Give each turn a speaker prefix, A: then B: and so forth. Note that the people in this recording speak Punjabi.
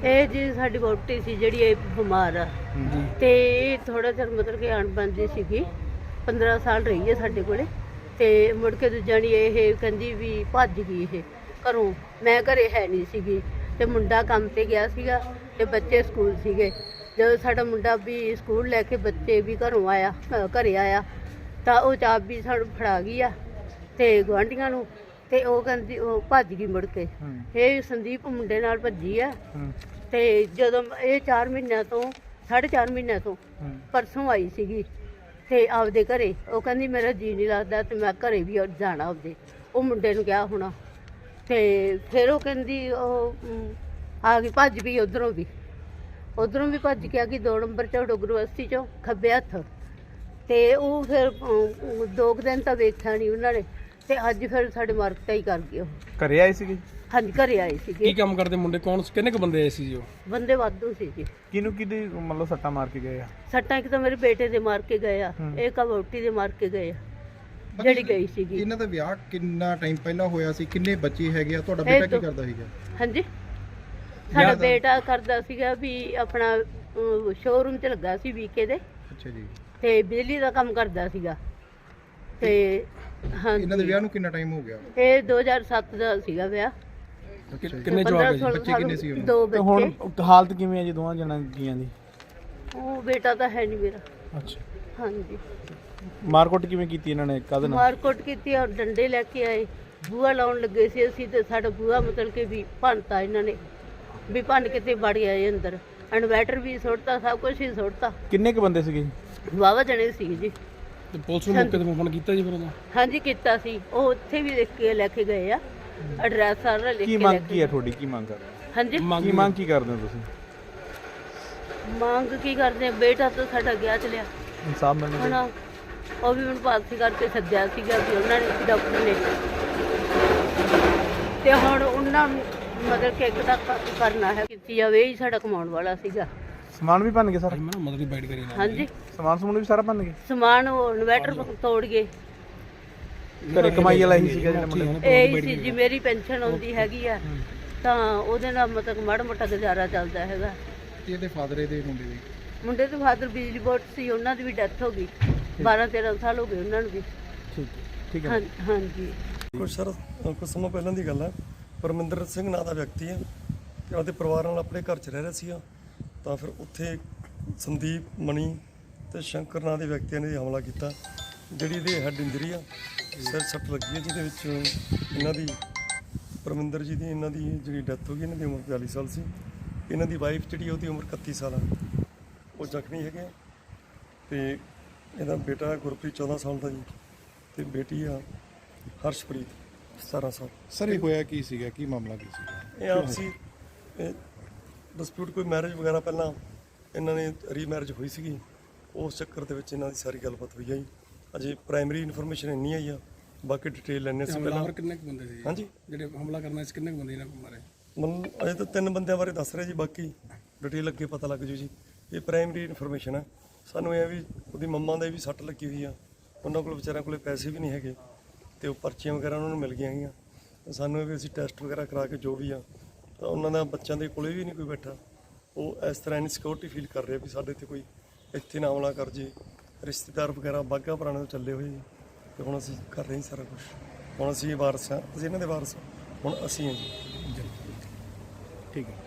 A: ਇਹ ਜੀ ਸਾਡੀ ਵਹੁਟੀ ਸੀ ਜਿਹੜੀ ਇਹ ਬਿਮਾਰ ਆ ਤੇ ਇਹ ਥੋੜਾ ਚਿਰ ਮਤਲਬ ਕਿ ਅਣਬਣਦੀ ਸੀਗੀ। 15 ਸਾਲ ਰਹੀ ਹੈ ਸਾਡੇ ਕੋਲੇ ਤੇ ਮੁੜ ਕੇ ਦੂਜਾਣੀ ਇਹ ਕਹਿੰਦੀ ਵੀ ਭੱਜ ਗਈ ਇਹ ਘਰੋਂ। ਮੈਂ ਘਰੇ ਹੈ ਨਹੀਂ ਸੀਗੀ ਤੇ ਮੁੰਡਾ ਕੰਮ ਤੇ ਗਿਆ ਸੀਗਾ ਤੇ ਬੱਚੇ ਸਕੂਲ ਸੀਗੇ। ਜਦੋਂ ਸਾਡਾ ਮੁੰਡਾ ਵੀ ਸਕੂਲ ਲੈ ਕੇ ਬੱਚੇ ਵੀ ਘਰੇ ਆਇਆ ਤਾਂ ਉਹ ਚਾਬੀ ਸਾਨੂੰ ਫੜਾ ਗਈ ਆ ਤੇ ਗੁਆਂਢੀਆਂ ਨੂੰ ਤੇ ਉਹ ਕਹਿੰਦੀ ਉਹ ਭੱਜ ਗਈ ਮੁੜ ਕੇ। ਇਹ ਸੰਦੀਪ ਮੁੰਡੇ ਨਾਲ ਭੱਜੀ ਆ ਤੇ ਜਦੋਂ ਇਹ 4 ਮਹੀਨਿਆਂ ਤੋਂ 4.5 ਮਹੀਨਿਆਂ ਤੋਂ ਪਰਸੋਂ ਆਈ ਸੀਗੀ ਤੇ ਆਪਦੇ ਘਰੇ ਉਹ ਕਹਿੰਦੀ ਮੇਰਾ ਜੀ ਨਹੀਂ ਲੱਗਦਾ ਤੇ ਮੈਂ ਘਰੇ ਵੀ ਜਾਣਾ ਆਪਦੇ। ਉਹ ਮੁੰਡੇ ਨੂੰ ਕਿਹਾ ਹੋਣਾ ਤੇ ਫਿਰ ਉਹ ਕਹਿੰਦੀ ਉਹ ਆ ਗਈ ਭੱਜ ਵੀ ਉਧਰੋਂ ਵੀ ਭੱਜ ਕੇ ਆ ਗਈ 2 ਨੰਬਰ ਚੋਂ ਡੋਗਰੂ ਬਸਤੀ ਚੋਂ ਖੱਬੇ ਹੱਥ। ਤੇ ਉਹ ਫਿਰ 2 ਦਿਨ ਤਾਂ ਵੇਖਿਆ ਨਹੀਂ ਉਹਨਾਂ ਨੇ ਤੇ ਅੱਜ ਫਿਰ ਸਾਡੇ ਮਾਰਕਟਾ ਹੀ ਕਰ ਗਏ। ਉਹ
B: ਘਰੇ ਆਏ ਸੀਗੇ?
A: ਹਾਂਜੀ ਘਰੇ ਆਏ ਸੀਗੇ।
C: ਕੀ ਕੰਮ ਕਰਦੇ ਮੁੰਡੇ? ਕਿੰਨੇ ਕੁ ਬੰਦੇ ਆਏ ਸੀ ਜੀ? ਉਹ
A: ਬੰਦੇ ਵਾਧੂ ਸੀ ਜੀ।
B: ਕਿਹਦੀ ਮਤਲਬ ਸੱਟਾਂ ਮਾਰ ਕੇ ਗਏ ਆ?
A: ਸੱਟਾਂ ਇੱਕ ਤਾਂ ਮੇਰੇ ਬੇਟੇ ਦੇ ਮਾਰ ਕੇ ਗਏ ਆ, ਇੱਕ ਵਹੁਟੀ ਦੇ ਮਾਰ ਕੇ ਗਏ ਆ ਜਿਹੜੀ ਗਈ ਸੀਗੀ।
D: ਇਹਨਾਂ ਦਾ ਵਿਆਹ ਕਿੰਨਾ ਟਾਈਮ ਪਹਿਲਾਂ ਹੋਇਆ ਸੀ? ਕਿੰਨੇ ਬੱਚੇ ਹੈਗੇ ਆ? ਤੁਹਾਡਾ ਬੇਟਾ ਕੀ ਕਰਦਾ ਸੀਗਾ?
A: ਹਾਂਜੀ ਸਾਡਾ ਬੇਟਾ ਕਰਦਾ ਸੀਗਾ ਵੀ ਆਪਣਾ ਸ਼ੋਰੂਮ 'ਚ ਲੱਗਾ ਸੀ ਵੀਕੇ ਦੇ।
D: ਅੱਛਾ ਜੀ।
A: ਤੇ ਬਿਜਲੀ ਦਾ ਕੰਮ ਕਰਦਾ ਸੀਗਾ ਤੇ ਹਾਂਜੀ।
D: ਇਹਨਾਂ ਦੇ ਵਿਆਹ ਨੂੰ ਕਿੰਨਾ ਟਾਈਮ ਹੋ ਗਿਆ?
A: ਇਹ 2007 ਦਾ ਸੀਗਾ ਵਿਆਹ।
C: ਕਿੰਨੇ ਜਵਾਕ ਜੀ?
D: ਬੱਚੇ ਕਿੰਨੇ ਸੀ ਉਹਨਾਂ
A: 2
B: ਤੇ
A: ਬੱਚੇ।
B: ਹੁਣ ਹਾਲਤ ਕਿਵੇਂ ਹੈ ਜੀ ਦੋਵਾਂ ਜਣਾਂ ਦੀ?
A: ਉਹ ਬੇਟਾ ਤਾਂ ਹੈ ਨਹੀਂ ਮੇਰਾ।
B: ਅੱਛਾ।
A: ਹਾਂਜੀ
B: ਮਾਰਕੁੱਟ ਕਿਵੇਂ ਕੀਤੀ ਇਹਨਾਂ ਨੇ? ਕਾਹਦੇ ਨਾਲ
A: ਮਾਰਕੁੱਟ ਕੀਤੀ? ਔਰ ਡੰਡੇ ਲੈ ਕੇ ਆਏ, ਬੂਹਾ ਲਾਉਣ ਲੱਗੇ ਸੀ ਅਸੀਂ ਤੇ ਸਾਡਾ ਬੂਹਾ ਮਤਲਬ ਕਿ ਵੀ ਭੰਨਤਾ ਇਹਨਾਂ ਨੇ, ਵੀ ਭੰਨ ਕੇ ਤੇ ਵੜ ਆਏ ਅੰਦਰ। ਇਨਵੈਟਰ ਵੀ ਸੁੱਟਤਾ, ਸਭ ਕੁਝ ਹੀ ਸੁੱਟਤਾ।
B: ਕਿੰਨੇ ਕੁ ਬੰਦੇ ਸੀਗੇ?
A: ਵਾਹਵਾ ਜਣੇ ਸੀ ਜੀ।
C: ਤੇ ਪੁਲਿਸ ਨੂੰ ਮੌਕੇ ਤੇ ਫੋਨ ਕੀਤਾ ਜੀ ਫਿਰ ਉਹਦਾ?
A: ਹਾਂਜੀ ਕੀਤਾ ਸੀ। ਉਹ ਉੱਥੇ ਵੀ ਲਿਖ ਕੇ ਲੈ ਕੇ ਗਏ ਆ, ਐਡਰੈਸ ਸਾਰਾ ਲਿਖ
B: ਕੀ
A: ਕੇ
B: ਮੰਗ
A: ਲੈ
B: ਕੀ
A: ਕੇ।
B: ਹੈ ਤੁਹਾਡੀ? ਕੀ ਮੰਗ ਕਰਦੇ?
A: ਹਾਂਜੀ
B: ਕੀ ਮੰਗ ਕੀ ਕਰਦੇ ਹੋ ਤੁਸੀਂ?
A: ਮੰਗ ਕੀ ਕਰਦੇ ਆ? ਬੇਟਾ ਤਾਂ ਸਾਡਾ ਗਿਆ ਚਲਿਆ
B: ਇਨਸਾਫ ਮਿਲਣਾ
A: ਹੁਣ।
B: ਚਾਹੀਦਾ।
A: ਉਹ ਵੀ ਹੁਣ ਪਾਲਸੀ ਕਰਕੇ ਸੱਦਿਆ ਸੀਗਾ ਵੀ ਉਹਨਾਂ ਨੇ ਡਾਕਟਰ ਨੇ ਤੇ ਹੁਣ ਉਹਨਾਂ ਨੂੰ ਮਤਲਬ ਕਿ ਇੱਕ ਤਾਂ ਕਰਨਾ ਹੈ ਕੀਤੀ ਜਾਵੇ। ਇਹ ਸਾਡਾ ਕਮਾਉਣ ਵਾਲਾ ਸੀਗਾ।
B: ਸਮਾਨ ਵੀ ਭੰਨ ਗਏ ਸਾਰਾ?
C: ਮੈਂ ਮਤਲਬ ਬਾਈਟ ਕਰੀ ਨਾ।
A: ਹਾਂਜੀ
B: ਸਮਾਨ ਵੀ ਸਾਰਾ ਭੰਨ ਗਏ?
A: ਸਮਾਨ ਉਹ ਇਨਵੈਟਰ ਤੋੜ ਗਏ।
B: ਘਰੇ ਕਮਾਈ ਵਾਲਾ ਹੀ ਸੀਗਾ ਜਿਹੜਾ ਮੁੰਡਾ?
A: ਇਹ ਸੀ ਜੀ ਮੇਰੀ ਪੈਨਸ਼ਨ ਆਉਂਦੀ ਹੈਗੀ ਆ ਤਾਂ ਉਹਦੇ ਨਾਲ ਮਤਲਬ ਮਾੜਾ ਮੋਟਾ ਗੁਜ਼ਾਰਾ ਚੱਲਦਾ ਹੈਗਾ।
D: ਇਹਦੇ ਫਾਦਰ ਦੇ
A: ਮੁੰਡੇ ਦੇ ਫਾਦਰ ਬਿਜਲੀ ਬੋਰਡ ਸੀ, ਉਹਨਾਂ ਦੀ ਵੀ ਡੈਥ ਹੋ ਗਈ। 12-13 ਸਾਲ ਹੋ ਗਏ ਉਹਨਾਂ ਨੂੰ ਵੀ।
B: ਠੀਕ ਹੈ।
A: ਹਾਂਜੀ
E: ਕੁਛ ਸਮਾਂ ਪਹਿਲਾਂ ਦੀ ਗੱਲ ਹੈ। ਪਰਮਿੰਦਰ ਸਿੰਘ ਨਾਂ ਦਾ ਵਿਅਕਤੀ ਹੈ ਤੇ ਉਹਦੇ ਪਰਿਵਾਰ ਨਾਲ ਆਪਣੇ ਘਰ 'ਚ ਰਹਿ ਰਿਹਾ ਸੀਗਾ ਤਾਂ ਫਿਰ ਉੱਥੇ ਸੰਦੀਪ, ਮਣੀ ਤੇ ਸ਼ੰਕਰ ਨਾਂ ਦੇ ਵਿਅਕਤੀਆਂ ਨੇ ਹਮਲਾ ਕੀਤਾ। ਜਿਹੜੀ ਇਹਦੇ ਹੈਡ ਇੰਜਰੀ ਆ, ਸਿਰ ਸੱਟ ਲੱਗੀ ਹੈ, ਜਿਹਦੇ ਵਿੱਚ ਇਹਨਾਂ ਦੀ ਪਰਮਿੰਦਰ ਜੀ ਦੀ ਇਹਨਾਂ ਦੀ ਜਿਹੜੀ ਡੈਥ ਹੋ ਗਈ। ਇਹਨਾਂ ਦੀ ਉਮਰ 42 ਸਾਲ ਸੀ। ਇਹਨਾਂ ਦੀ ਵਾਈਫ ਜਿਹੜੀ ਉਹਦੀ ਉਮਰ 31 ਸਾਲ ਆ, ਉਹ ਜ਼ਖਮੀ ਹੈਗੇ। ਤੇ ਇਹਦਾ ਬੇਟਾ ਗੁਰਪ੍ਰੀਤ 14 ਸਾਲ ਦਾ ਜੀ ਤੇ ਬੇਟੀ ਆ ਹਰਸ਼ਪ੍ਰੀਤ 17 ਸਾਲ।
D: ਸਰ ਇਹ ਹੋਇਆ ਕੀ ਸੀਗਾ? ਕੀ ਮਾਮਲਾ ਕੀ ਸੀਗਾ?
E: ਇਹ ਆਪਸੀ ਡਿਸਪਿਊਟ, ਕੋਈ ਮੈਰਿਜ ਵਗੈਰਾ ਪਹਿਲਾਂ ਇਹਨਾਂ ਨੇ ਰੀਮੈਰਿਜ ਹੋਈ ਸੀਗੀ, ਉਸ ਚੱਕਰ ਦੇ ਵਿੱਚ ਇਹਨਾਂ ਦੀ ਸਾਰੀ ਗੱਲਬਾਤ ਹੋਈ ਆ ਜੀ। ਅਜੇ ਪ੍ਰਾਇਮਰੀ ਇਨਫੋਰਮੇਸ਼ਨ ਇੰਨੀ ਆਈ ਆ, ਬਾਕੀ ਡਿਟੇਲ ਲੈਣੇ ਸੀ ਪਹਿਲਾਂ।
C: ਕਿੰਨੇ ਕੁ ਬੰਦੇ ਸੀ?
E: ਹਾਂਜੀ
C: ਜਿਹੜੇ ਹਮਲਾ ਕਰਨਾ ਸੀ ਕਿੰਨੇ ਕੁ ਬੰਦੇ ਇਹਨਾਂ ਕੋਲ ਮਾਰੇ?
E: ਮਤਲਬ ਅਜੇ ਤਾਂ 3 ਬੰਦਿਆਂ ਬਾਰੇ ਦੱਸ ਰਹੇ ਜੀ, ਬਾਕੀ ਡਿਟੇਲ ਅੱਗੇ ਪਤਾ ਲੱਗ ਜੂ ਜੀ। ਇਹ ਪ੍ਰਾਇਮਰੀ ਇਨਫੋਰਮੇਸ਼ਨ ਆ। ਸਾਨੂੰ ਇਹ ਵੀ ਉਹਦੀ ਮੰਮਾ ਦੇ ਵੀ ਸੱਟ ਲੱਗੀ ਹੋਈ ਆ, ਉਹਨਾਂ ਕੋਲ ਵਿਚਾਰਿਆਂ ਕੋਲੇ ਪੈਸੇ ਵੀ ਨਹੀਂ ਹੈਗੇ ਤੇ ਉਹ ਪਰਚੀਆਂ ਵਗੈਰਾ ਉਹਨਾਂ ਨੂੰ ਮਿਲ ਗਈਆਂ ਹੈਗੀਆਂ। ਸਾਨੂੰ ਇਹ ਵੀ ਅਸੀਂ ਟੈਸਟ ਵਗੈਰਾ ਕਰਾ ਕੇ ਜੋ ਵੀ ਆ ਤਾਂ ਉਹਨਾਂ ਦਾ ਬੱਚਿਆਂ ਦੇ ਕੋਲੇ ਵੀ ਨਹੀਂ ਕੋਈ ਬੈਠਾ। ਉਹ ਇਸ ਤਰ੍ਹਾਂ ਇਨਸਿਕਿਉਰਿਟੀ ਫੀਲ ਕਰ ਰਹੇ ਵੀ ਸਾਡੇ ਤੇ ਕੋਈ ਇੱਥੇ ਨਾ ਹਮਲਾ ਕਰ ਜੇ। ਰਿਸ਼ਤੇਦਾਰ ਵਗੈਰਾ ਬਾਘਾ ਪੁਰਾਣੇ ਤੋਂ ਚੱਲੇ ਹੋਏ ਤੇ ਹੁਣ ਅਸੀਂ ਕਰ ਰਹੇ ਹਾਂ ਸਾਰਾ ਕੁਝ। ਹੁਣ ਅਸੀਂ ਵਾਰਸ ਹਾਂ, ਅਸੀਂ ਇਹਨਾਂ ਦੇ ਵਾਰਸ ਹਾਂ, ਹੁਣ ਅਸੀਂ ਹਾਂ ਜੀ।
B: ਠੀਕ ਹੈ।